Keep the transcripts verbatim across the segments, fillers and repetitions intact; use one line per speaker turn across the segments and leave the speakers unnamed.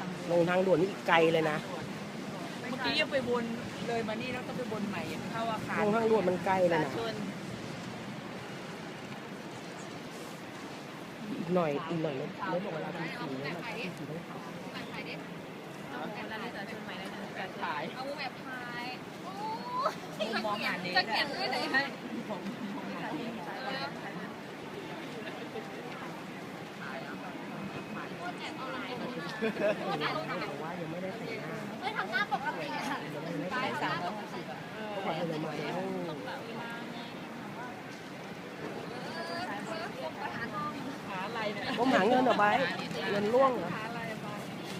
ลงทางด่วนนี่อีกไกลเลยนะ
เมื่อกี้ยังไปวนเลยมานี่แล้วก็ไปวนใหม่เข้าอาคาร
ลงทางด่วนมันไกลเลยนะอีกหน่อยอีกหน่อยรถรถบอกเวลาตีสี่แล้วมันตีสี่ต้องขับ
ขาย
เอาแบบพายโอ้
มองหาเน
จะเขียนด้วยไหนให้
ผมมองหาเนส
แต่ว่ายังไม่ได้แต่งหน้า
เฮ้ยทำหน้าปกติอะ
ยังไม่ได้
ขาย
แต่ง
สาม
ห
ร้
น้า
อยห้าสิบอ่ะ
ก็บอกเลยมาแล้ว
หาอะไรเนี่ย
ก็หาเงินเอาไว้เงินล่วงเหรอ
หาอะไรมา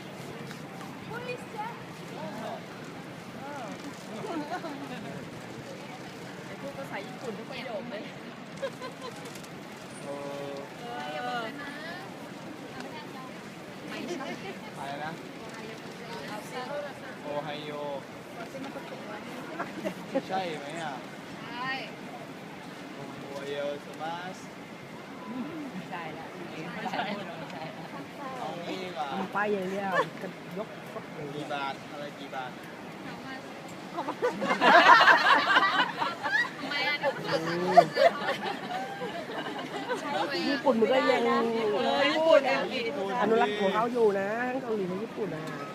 ไอ้พวกภาษาญี่ปุ่นทุกประโยคเลย
โอ้อะไรนะโอไฮโอใช่ไหมอ่ะ
ใช่
โอไฮโอสมาส
ไม่ใช่ละไม่ใช่ไม่ใช่
เอางี้ดีกว่า
ทำไปอย่างเดียวกันยกรถอย่างเดี
กี่
ยว
บาทอะไรกี่บาท
ไม่อะเดี๋ยวเกิดสังคมเลย
ญี่ปุ่นมันก็ยัง
ญี่ปุ่นเอง
อนุรักษ์ของเขาอยู่นะทั้งเกาหลีและญี่ปุ่นนะ